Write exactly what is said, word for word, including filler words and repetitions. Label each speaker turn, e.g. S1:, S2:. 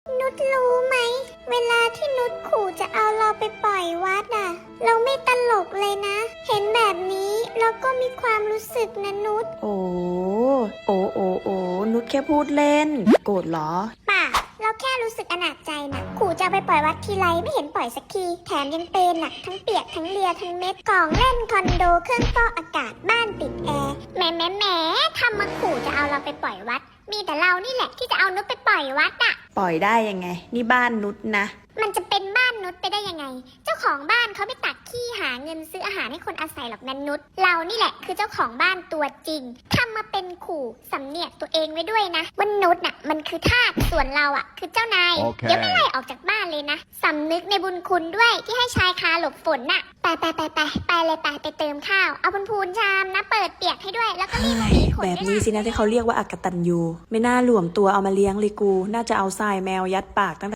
S1: นุชรู้ไหมเวลาที่นุชขู่จะเอาเราไปปล่อยวัดอ่ะเราไม่ตลกเลยนะเห็นแบบนี้เราก็มีความรู้สึกนะนุช
S2: โอ้โอ้โอ้โอ้นุชแค่พูดเล่นโกรธเหรอ
S1: ป่ะเราแค่รู้สึกอนาจใจนะขู่จะเอาไปปล่อยวัดทีไรไม่เห็นปล่อยสักทีแถมยังเป็นอ่ะทั้งเปียกทั้งเลียทั้งเม็ดกล่องเล่นคอนโดเครื่องฟอกอากาศบ้านติดแอร์แหมแหมแหมทำมาขู่จะเอาเราไปปล่อยวัดมีแต่เรานี่แหละที่จะเอานุชไปปล่อยวัดอ่ะ
S2: ปล่อยได้ยังไงนี่บ้านนุชนะ
S1: มันจะเป็นบ้านนุชไปได้ยังไงเจ้าของบ้านเขาไม่ตักขี้หาเงินซื้ออาหารให้คนอาศัยหรอกนันนุชเรานี่แหละคือเจ้าของบ้านตัวจริงทำมาเป็นขู่สำเนียกตัวเองไว้ด้วยนะว่านุชน่ะมันคือทาสส่วนเราอ่ะคือเจ้านาย
S3: Okay.
S1: เดี๋ยวไม่ไล่ออกจากบ้านเลยนะสำนึกในบุญคุณด้วยที่ให้ชายคาหลบฝนน่ะไปไปไปไปไปเลยไปไปเติมข้าวเอาบนพูนชามนะเปิดเปียกให้ด้วยแล้วก็รีบมามีขน
S2: แบบ
S1: ด้วย
S2: นี้
S1: นะ
S2: สินะที่เขาเรียกว่าอักตันยูไม่น่าหลวมตัวเอามาเลี้ยงเลยกูน่าจะเอาทรายแมวยัดปากตั้ง